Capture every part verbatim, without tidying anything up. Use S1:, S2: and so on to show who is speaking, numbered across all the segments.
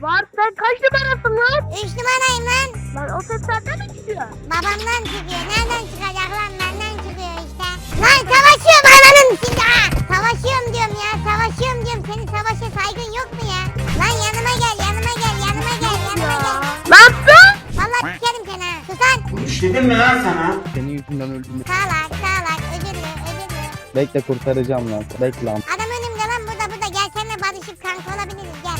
S1: Var, sen kaç numarasın lan?
S2: Üç numarayım lan.
S1: Lan o ses senden mi çıkıyor?
S2: Babamdan çıkıyor. Nereden çıkacak lan? Benden çıkıyor işte. Lan savaşıyorum ananın şimdi ha. Savaşıyorum diyorum ya. Savaşıyorum diyorum. Senin savaşa saygın yok mu ya? Lan yanıma gel, yanıma gel, yanıma gel, yanıma gel.
S1: Ne yaptın?
S2: Vallahi sikerim seni ha. Susan.
S3: İşledim mi lan sana?
S4: Senin yüzünden öldüm.
S2: Sağlak, sağlak. Özürlü, özürlü.
S4: Bekle kurtaracağım lan. Bekle lan.
S2: Adam önümde lan, burada burada. Gel seninle barışıp kanka olabiliriz, gel.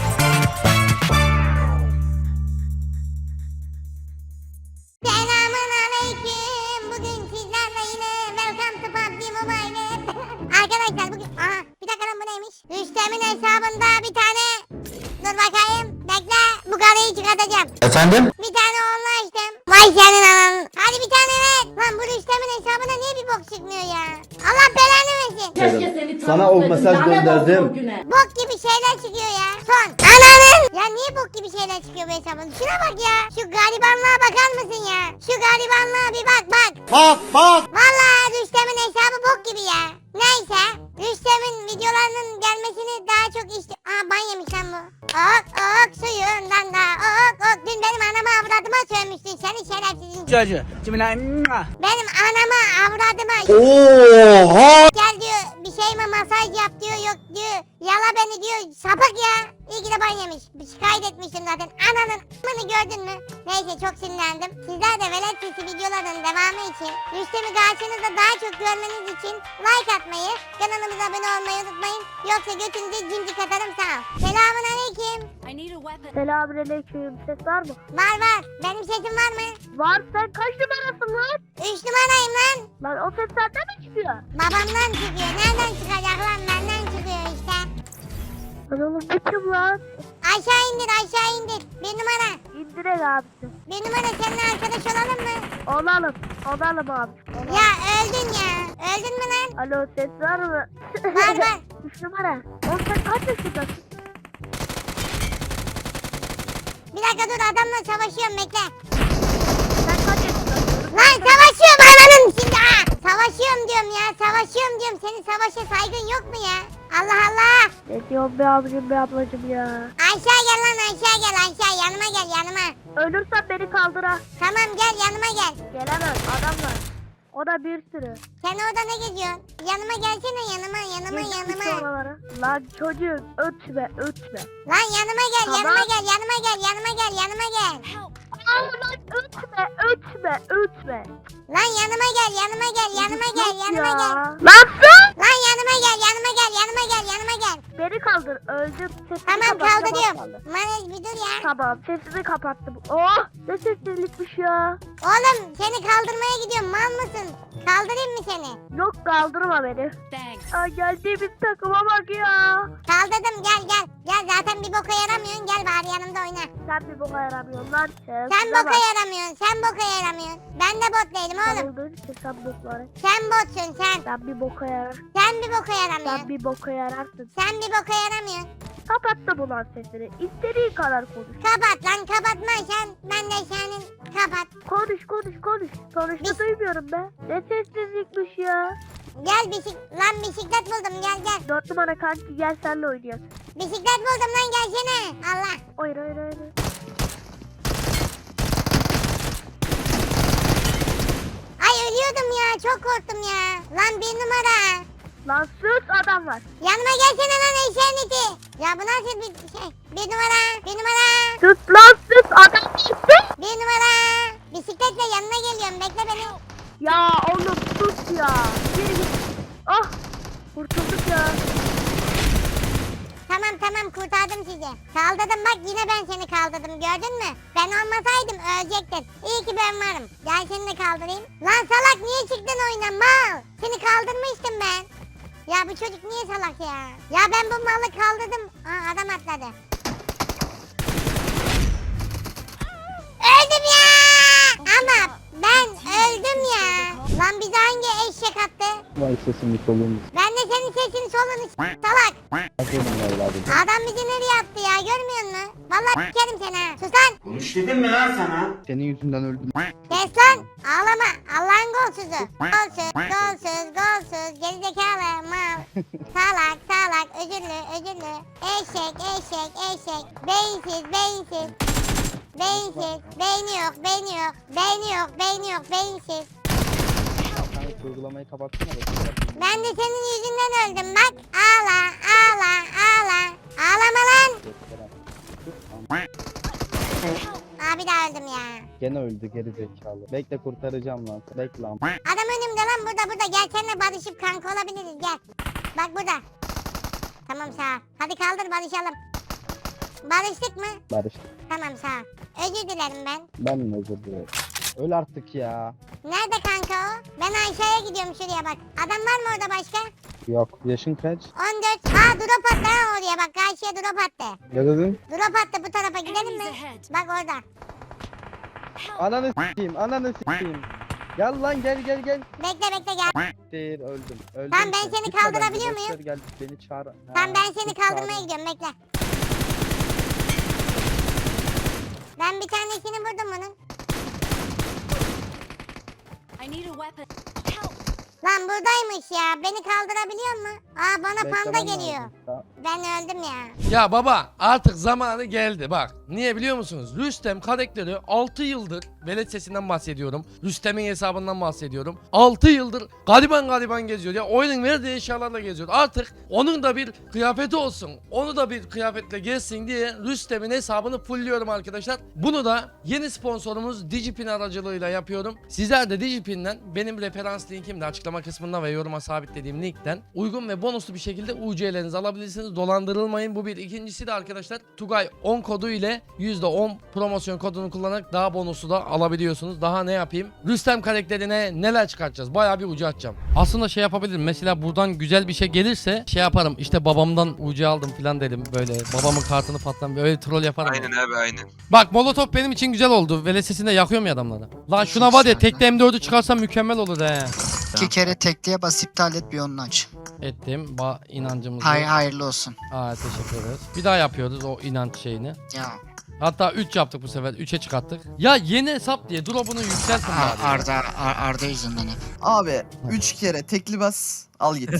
S2: Selamun aleyküm. Bugün sizlerle yine Welcome to P U B G Mobile. Arkadaşlar bugün... Aha bir dakika lan, bu neymiş? Rüstem'in hesabında bir tane... Dur bakayım. Bekle. Bu karıyı çıkartacağım.
S3: Efendim?
S2: Bir tane onunla açtım. Vay senin ananın. Hadi bir tane ver. Lan bu Rüstem'in hesabına niye bir bok çıkmıyor ya? Allah belanı versin.
S5: Keşke seni
S4: Sana o mesaj
S5: lanet olsun
S4: gönderdim.
S5: o güne.
S2: Bok gibi şeyler çıkıyor ya. Son. Ananın. Ya niye bok gibi şeyler çıkıyor bu hesabın? Şuna bak ya. Şu garibanlığa bakar mısın ya? Şu garibanlığa bir bak bak.
S3: Bak bak.
S2: Vallahi Rüstem'in hesabı bok gibi ya. Neyse. Rüstem'in videolarının gelmesini daha çok istiyor. Aa ban yemiş lan bu. Ok ok suyundan da ok ok. Dün benim anama avradıma sövmüştün seni şerefsizin.
S4: Çocuğu. Cimine.
S2: Benim anama avradıma.
S3: Oha.
S2: Gel diyor bir şey mi masaj yap diyor, yok diyor. Yala beni diyor, sapık ya. İyi ki de ban yemiş. Bir şikayet etmiştim zaten. Ananın amını gördün mü? Neyse çok sinirlendim. Sizler de velet sesi videoların devamı için, Rüstem'i karşınızda daha çok görmeniz için like atmayı, kanalımıza abone olmayı unutmayın. Yoksa götünüze cimcik atarım, sağ ol. Selamun aleyküm.
S1: Selamünaleyküm. Ses var mı?
S2: Var var. Benim sesim var mı?
S1: Var, sen kaç numarasın lan?
S2: Üç numarayım lan.
S1: Lan o ses senden mi çıkıyor?
S2: Babamdan çıkıyor. Nereden çıkacak lan? Benden çıkıyor işte.
S1: Lan oğlum bu kim lan?
S2: Aşağı indir, aşağı indir. Bir numara.
S1: İndirek abisi.
S2: Bir numara seninle arkadaş olalım mı?
S1: Olalım. Olalım abi. Olalım.
S2: Ya öldün ya. Öldün mü lan?
S1: Alo, ses var mı?
S2: Var var.
S1: Üç numara. Oğlum sen kaç yaşındasın?
S2: Bir dakika dur, adamla savaşıyorum, bekle.
S1: Sen kaç yaşındasın?
S2: Lan savaşıyorum ananın şimdi ha. Savaşıyorum diyorum ya, savaşıyorum diyorum. Senin savaşa saygın yok mu ya? Allah Allah.
S1: Ne diyorsun be abicim be ablacım ya?
S2: Aşağı gel lan, aşağı gel, aşağı yanıma gel, yanıma.
S1: Ölürsen beni kaldır ha.
S2: Tamam gel, yanıma gel.
S1: Gelemez, adam var. O da bir sürü.
S2: Sen orada ne geziyorsun? Yanıma gelsene, yanıma, yanıma,
S1: Geçmiş
S2: yanıma.
S1: oralara. Lan çocuğum ötme ötme.
S2: Lan yanıma gel,
S1: Tamam.
S2: yanıma gel, yanıma gel, yanıma gel, yanıma gel.
S1: Aa, lan ötme ötme ötme.
S2: Lan yanıma gel, yanıma gel, yanıma gel, yanıma
S1: Ya.
S2: gel.
S1: Nasıl?
S2: Lan yanıma gel, yanıma gel, yanıma gel, yanıma gel.
S1: Beni kaldır, öldüm. Sesini
S2: Tamam
S1: kapattım,
S2: kaldı
S1: az
S2: diyorum.
S1: kaldı.
S2: Manej bir dur ya.
S1: Tamam, sesini kapattım. Oh, ne sessizlikmiş ya.
S2: Oğlum seni kaldırmaya gidiyorum, mal mısın? Kaldırayım mı seni?
S1: Yok, kaldırma beni. Aa, geldiğimiz takıma bak ya.
S2: Kaldırdım, gel gel. Gel zaten bir boka yaramıyorsun, gel bari yanımda oyna.
S1: Sen bir boka yaramıyorsun lan.
S2: Sen
S1: Şuna
S2: boka
S1: bak.
S2: yaramıyorsun, sen boka yaramıyorsun. Ben de bot değilim
S1: Sen
S2: oğlum.
S1: olduğun için sen bokları.
S2: Sen botsun sen.
S1: Sen bir boka yarar.
S2: Sen bir boka
S1: Sen
S2: yaramıyorsun.
S1: bir boka yararsın.
S2: Sen bir boka yaramıyorsun.
S1: Kapattım ulan sesini. İstediğin kadar konuş.
S2: Kapat lan, kapatma sen. Ben de senin kapat.
S1: Konuş konuş konuş. Sonuçta
S2: Biz-
S1: duymuyorum be. Ne sessizlikmiş ya.
S2: Gel bisik lan, bisiklet buldum, gel gel.
S1: Dört numara kanki, gel senle oynayalım.
S2: Bisiklet buldum lan, gelsene. Allah.
S1: Hayır hayır hayır.
S2: Ay ölüyordum ya, çok korktum ya. Lan bir numara.
S1: Lan sus, adam var.
S2: Yanıma gelsene lan eşeğin iti. Ya bu nasıl bir şey? Bir numara, bir numara,
S1: Sus lan sus, adam gitti.
S2: bir numara. Bisikletle yanına geliyorum, bekle beni.
S1: Ya oğlum sus ya. Geri git. Ah, kurtulduk ya.
S2: Tamam tamam, kurtardım sizi. Kaldırdım bak, yine ben seni kaldırdım, gördün mü? Ben olmasaydım ölecektin. İyi ki ben varım. Gel seni de kaldırayım. Lan salak, niye çıktın oyuna mal? Seni kaldırmıştım ben. Ya bu çocuk niye salak ya? Ya ben bu malı kaldırdım. Aa, adam atladı. Öldüm ya. Ama ben öldüm ya. Lan bize hangi eşek attı?
S4: Vay sesimi solumuz.
S2: Ben de senin sesini solunu s- salak.
S4: Aferin evladım.
S2: Adam bizi nereye attı ya, görmüyor musun? Vallahi sikerim seni ha. Sus lan.
S3: Konuş dedim mi lan sana?
S4: Senin yüzünden öldüm.
S2: Kes lan. Ağlama. Allah'ın golsüzü. Golsüz, golsüz, golsüz. Gerizekalı mal. Salak, salak. Özürlü, özürlü. Eşek, eşek, eşek. Beyinsiz, beyinsiz. Beyinsiz. Beyni yok, beyni yok. Beyni yok, beyni yok, beyinsiz.
S4: Sen uygulamayı kapatsana. da.
S2: Ben de senin yüzünden öldüm bak. Ağla, ağla, ağla. Ağlama lan. Aa bir daha öldüm ya.
S4: Gene öldü geri zekalı. Bekle kurtaracağım lan. Bekle lan.
S2: Adam önümde lan burada burada. Gel seninle barışıp kanka olabiliriz gel. Bak burada. Tamam sağ ol. Hadi kaldır barışalım. Barıştık mı?
S4: Barış.
S2: Tamam sağ ol. Özür dilerim ben.
S4: Ben mi özür dilerim? Öl artık ya.
S2: Nerede kanka o? Ben Ayşe'ye gidiyorum şuraya bak. Adam var mı orada başka?
S4: Yok. Yaşın kaç?
S2: on dört. Aa drop attı ha oraya bak. Karşıya drop attı.
S4: Ne dedin?
S2: Drop attı bu tarafa gidelim mi? Bak orada.
S4: Ananı s**eyim. Ananı s**eyim. Gel lan gel gel gel.
S2: Bekle bekle gel.
S4: Değil öldüm. Öldüm.
S2: Tamam, ben
S4: ki.
S2: seni
S4: Gitme
S2: kaldırabiliyor
S4: bence, boş
S2: muyum?
S4: ver, Gel beni çağır. Ha,
S2: Tamam ben seni
S4: git
S2: kaldırmaya
S4: çağır.
S2: gidiyorum bekle. Ben bir tanesini vurdum bunun.
S5: I need a weapon. Help!
S2: Lan buradaymış ya. Beni kaldırabiliyor mu? Aa bana panda
S4: Beklemem
S2: geliyor.
S4: lazım. Tamam.
S2: Ben öldüm ya.
S6: Ya baba artık zamanı geldi bak. Niye biliyor musunuz? Rüstem karakteri altı yıldır velet sesinden bahsediyorum. Rüstem'in hesabından bahsediyorum. altı yıldır gariban gariban geziyor. Ya oyunun verdiği eşyalarla geziyor. Artık onun da bir kıyafeti olsun. Onu da bir kıyafetle gezsin diye Rüstem'in hesabını fullliyorum arkadaşlar. Bunu da yeni sponsorumuz Digipin aracılığıyla yapıyorum. Sizler de Digipin'den benim referans linkimde açıklama kısmında ve yoruma sabitlediğim linkten uygun ve bonuslu bir şekilde U C'lerinizi alabilirsiniz. Dolandırılmayın. Bu bir. İkincisi de arkadaşlar Tugay on kodu ile yüzde on promosyon kodunu kullanarak daha bonusu da alabiliyorsunuz. Daha ne yapayım? Rüstem karakterine neler çıkartacağız? Bayağı bir ucu açacağım. Aslında şey yapabilirim. Mesela buradan güzel bir şey gelirse şey yaparım. İşte babamdan ucu aldım falan derim. Böyle babamın kartını patlam. Böyle troll yaparım.
S7: Aynen abi aynen.
S6: Bak molotof benim için güzel oldu. Vele sesinde yakıyorum ya adamları. Lan şuna var ya tekte M dördü çıkarsam mükemmel olur he.
S8: İki kere tekliğe bas iptal et bir onu aç.
S6: Ettim. Ba inancımızı.
S8: Hay hayırlı olsun.
S6: Aa teşekkür ederiz. Bir daha yapıyoruz o inanç şeyini.
S8: Ya
S6: Hatta üç yaptık bu sefer. üçe çıkarttık. Ya yeni hesap diye drop'unu yükseltin
S8: Ar-
S6: bari. ya.
S8: Arda Ar- Arda yüzünden hep.
S9: Abi üç kere tekli bas al git.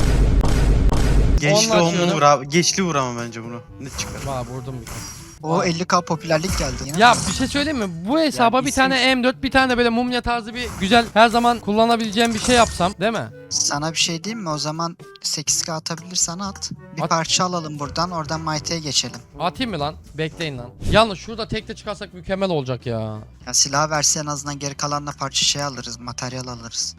S9: Geçli
S6: Onunla
S9: onu
S6: açıyorum.
S9: vur abi. Geçli vur ama bence bunu. Ne çıkar?
S6: Vay vurdum bir tane.
S8: O elli K popülerlik geldi.
S6: Ya bir şey söyleyeyim mi? Bu hesaba
S9: Yani
S6: bir tane
S9: isim-
S6: M dört, bir tane de böyle mumya tarzı bir güzel her zaman kullanabileceğim bir şey yapsam, değil mi?
S8: Sana bir şey diyeyim mi? O zaman sekiz K atabilirsen at. Bir
S6: At.
S8: parça alalım buradan, oradan Mighty'ye geçelim.
S6: Atayım mı lan? Bekleyin lan. Yalnız şurada tekte çıkarsak mükemmel olacak ya.
S8: Ya silah verse en azından geri kalanla parça şey alırız, materyal alırız.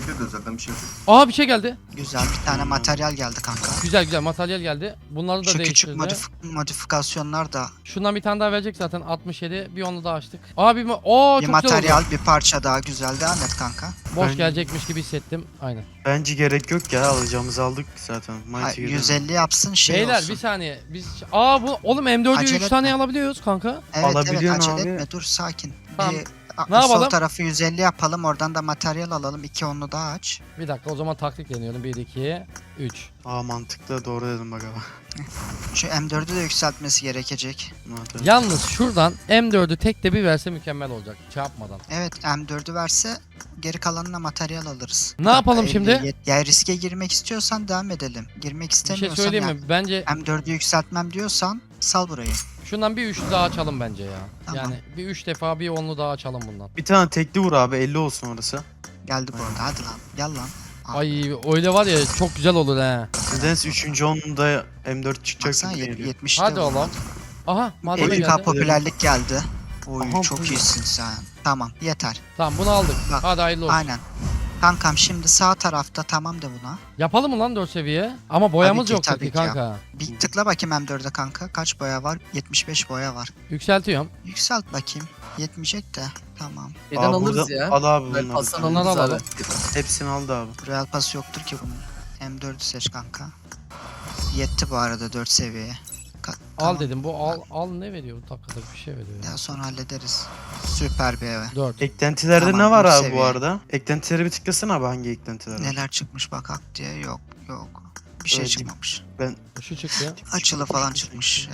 S6: Aa bir şey geldi.
S8: Güzel bir tane materyal geldi kanka.
S6: Güzel güzel materyal geldi. Bunları da
S8: Şu küçük
S6: değiştirdi.
S8: modif- modifikasyonlar da
S6: Şundan bir tane daha verecek zaten altmış yedi. Bir onu daha açtık. Abi mi? Oo
S8: bir
S6: çok güzel
S8: materyal,
S6: oldu.
S8: bir parça daha güzel. Devam et kanka.
S6: Boş
S9: Ben-
S6: gelecekmiş gibi hissettim. Aynen.
S9: Bence gerek yok ya. Alacağımızı aldık zaten.
S8: Ha,
S9: Mighty
S8: yüz elli yapsın şey
S6: Beyler
S8: olsun.
S6: bir saniye. Biz Aa bu oğlum M dördü
S8: Acele
S6: üç tane
S8: etme.
S6: alabiliyoruz kanka.
S8: Evet evet
S9: Alabiliyorsun
S8: acele
S9: abi.
S8: etme dur sakin.
S6: Tamam.
S8: Bir, a-
S6: Ne yapalım?
S8: Sol tarafı yüz elli yapalım oradan da materyal alalım. İki onlu daha aç.
S6: Bir dakika o zaman taktik deniyorum. bir iki üç.
S9: Aa mantıklı doğru dedim bak ama.
S8: Şu M dördü de yükseltmesi gerekecek.
S9: Hadi.
S6: Yalnız şuradan M dördü tek de bir verse mükemmel olacak. Çarpmadan.
S8: Evet M dördü verse geri kalanına materyal alırız.
S6: Ne yapalım
S8: elli,
S6: şimdi?
S8: yet- Ya riske girmek istiyorsan devam edelim. Girmek
S6: Bir şey
S8: istemiyorsan
S6: söyleyeyim
S8: ya,
S6: mi? Bence
S8: M dördü yükseltmem diyorsan sal burayı.
S6: şundan bir üçlü daha açalım bence ya.
S8: Tamam.
S6: Yani bir üç defa bir onlu daha açalım bundan.
S9: Bir tane tekli vur abi. elli olsun orası.
S8: Geldi bu arada hadi lan gel lan. Al.
S6: Ay öyle var ya çok güzel olur he.
S9: Nedense üçüncü onda M dört çıkacak
S8: Baksana
S9: gibi
S8: yet-
S9: geliyor.
S8: yetmişte
S6: Hadi
S8: bu.
S6: oğlum. Aha malzeme
S8: elli K
S6: geldi.
S8: popülerlik geldi. Oy
S9: Aha,
S8: çok
S9: bu-
S8: iyisin sen. Tamam yeter.
S6: Tamam bunu aldık.
S8: Bak,
S6: Hadi hayırlı olsun.
S8: Aynen. Kankam şimdi sağ tarafta tamam de buna.
S6: Yapalım mı lan dört seviye? Ama boyamız
S8: ki,
S6: yok
S8: tabii
S6: ki
S8: ki ya.
S6: kanka.
S8: Bir tıkla bakayım M dörde kanka. Kaç boya var? yetmiş beş boya var.
S6: Yükseltiyorum.
S8: Yükselt bakayım. Yetmeyecek de. Tamam.
S10: Neden
S9: Aa,
S10: alırız
S9: burada-
S10: ya?
S9: Al abi
S10: Ben
S9: bunları.
S10: Hasan
S6: Onları
S10: alırız
S6: alalım.
S10: abi.
S9: Hepsini aldı abi.
S8: Royal Pass yoktur ki bunun. M dördü seç kanka. Yetti bu arada dört seviyeye. Ka-
S6: Al
S8: tamam.
S6: dedim bu al al ne veriyor? Bu dakikalık bir şey veriyor ya.
S8: Daha sonra hallederiz. Süper bir eve.
S6: dört.
S9: Eklentilerde
S8: Tamam,
S9: ne var
S8: dört
S9: abi
S8: seviye.
S9: bu arada? Eklentilere bir tıklasana abi hangi eklentiler var?
S8: Neler çıkmış bak hak diye yok yok. Bir şey
S9: Öyle
S8: çıkmamış.
S9: Ben
S6: Şu çıktı.
S8: Açılı falan çıkmış. Ee,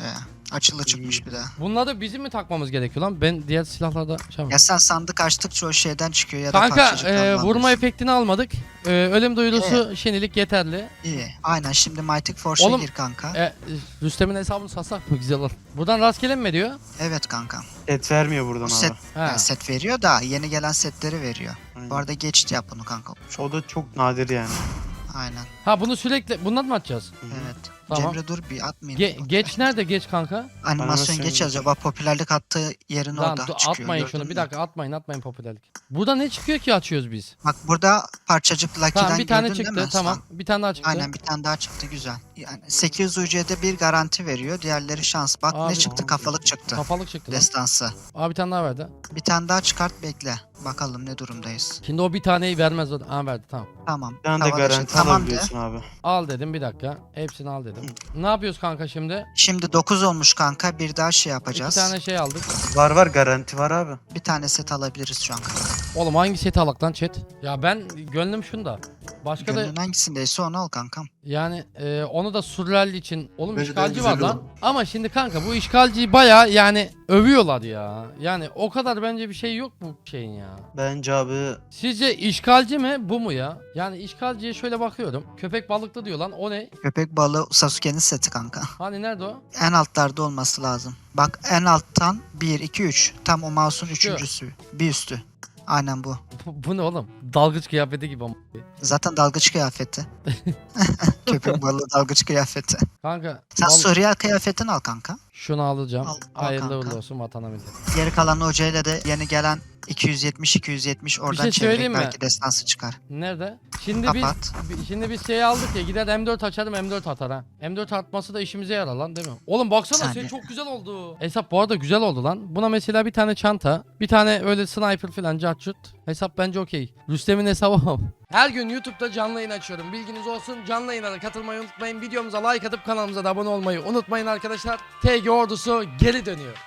S8: Açılı çıkmış bir de.
S6: Bunları bizim mi takmamız gerekiyor lan? Ben diğer silahlarda şey
S8: Ya sen sandık açtıkça o şeyden çıkıyor ya da
S6: Kanka
S8: parçacıktan
S6: e,
S8: alıyorsun.
S6: vurma efektini almadık. E, ölüm duyurusu şimdilik yeterli.
S8: İyi. Aynen şimdi Mighty Force'a
S6: Oğlum,
S8: gir kanka.
S6: E, Rüstem'in hesabını satsak mı güzel olur. Buradan rastgele mi diyor?
S8: Evet kanka.
S9: Et vermiyor buradan
S8: Bu
S9: abi.
S8: set,
S6: Ha.
S8: yani set veriyor da yeni gelen setleri veriyor.
S9: Aynen.
S8: Bu arada geç yap bunu kanka.
S9: O da çok nadir yani.
S8: Aynen.
S6: Ha bunu sürekli bundan mı atacağız?
S8: Evet.
S6: Tamam.
S8: Cemre dur bir atmayayım.
S6: Ge- geç nerede geç kanka?
S8: Animasyon
S9: Animasyon
S8: geç
S9: geç.
S8: acaba popülerlik attığı yerin
S6: Lan
S8: orada
S6: dur,
S8: çıkıyor.
S6: atmayın
S8: gördün
S6: şunu bir
S8: mü?
S6: dakika atmayın atmayın popülerlik. Burada ne çıkıyor ki açıyoruz biz?
S8: Bak burada parçacık Lucky'den
S6: Tamam bir tane
S8: gördün değil
S6: çıktı
S8: mi?
S6: tamam.
S8: Sen?
S6: Bir tane daha çıktı.
S8: Aynen bir tane daha çıktı güzel. Yani sekiz yüz U C'de bir garanti veriyor. Diğerleri şans. Bak
S6: Abi-
S8: ne çıktı? Kafalık çıktı.
S6: Kafalık çıktı lan.
S8: Destansı.
S6: Abi bir tane daha verdi.
S8: Bir tane daha çıkart bekle. Bakalım ne durumdayız.
S6: Şimdi o bir taneyi vermez o. Aa verdi tamam.
S8: Tamam.
S9: Bir tane de
S8: Hava dışı.
S9: garanti
S8: Tamam de.
S9: alabiliyorsun abi.
S6: Al dedim bir dakika. Hepsini al dedim. Ne yapıyoruz kanka şimdi?
S8: Şimdi dokuz olmuş kanka. Bir daha şey
S6: İki
S8: yapacağız.
S6: tane şey aldık.
S9: Var var garanti var abi.
S8: Bir tane set alabiliriz şu an kanka.
S6: Oğlum hangi seti alak lan chat? Ya ben gönlüm şunda. Başka da
S8: Gönlün hangisindeyse onu al kankam.
S6: yani e, onu da Surreal için. Oğlum
S3: Bence de
S6: işgalci
S3: güzel
S6: var lan.
S3: olur.
S6: Ama şimdi kanka bu işgalciyi baya yani övüyorlar ya. Yani o kadar bence bir şey yok bu şeyin ya.
S9: Bence abi
S6: Sizce işgalci mi bu mu ya? Yani işgalciye şöyle bakıyorum. Köpek balıklı diyor lan o ne?
S8: Köpek balığı Sasuke'nin seti kanka.
S6: Hani nerede o?
S8: En altlarda olması lazım. Bak en alttan bir, iki, üç. Tam o mouse'un üçüncüsü. Bir üstü. Aynen bu.
S6: Bu, bu ne oğlum? Dalgıç kıyafeti gibi ama.
S8: Zaten dalgıç kıyafeti. Köpek balığı dalgıç kıyafeti.
S6: Kanka
S8: Sen
S6: val-
S8: Surreal kıyafetini al kanka.
S6: şunu alacağım.
S8: Al, al
S6: Hayırlı
S8: kanka.
S6: uğurlu olsun vatana millete.
S8: Geri kalan hocayla da yeni gelen iki yüz yetmiş iki yüz yetmiş oradan
S6: şey
S8: çevirerek
S6: söyleyeyim mi?
S8: belki destansı çıkar.
S6: Nerede? Şimdi
S8: Kapat.
S6: biz bi- şimdi biz şey aldık ya gider M dört açarım M dört atar ha. M dört atması da işimize yarar lan değil mi? Oğlum baksana
S8: Saniye.
S6: şey çok güzel oldu. Hesap bu arada güzel oldu lan. Buna mesela bir tane çanta, bir tane öyle sniper falan cartçut. Hesap bence okey. Rüstem'in hesabı ama. Her gün YouTube'da canlı yayın açıyorum. Bilginiz olsun. Canlı yayınlara katılmayı unutmayın. Videomuza like atıp kanalımıza da abone olmayı unutmayın arkadaşlar. T G ordusu geri dönüyor.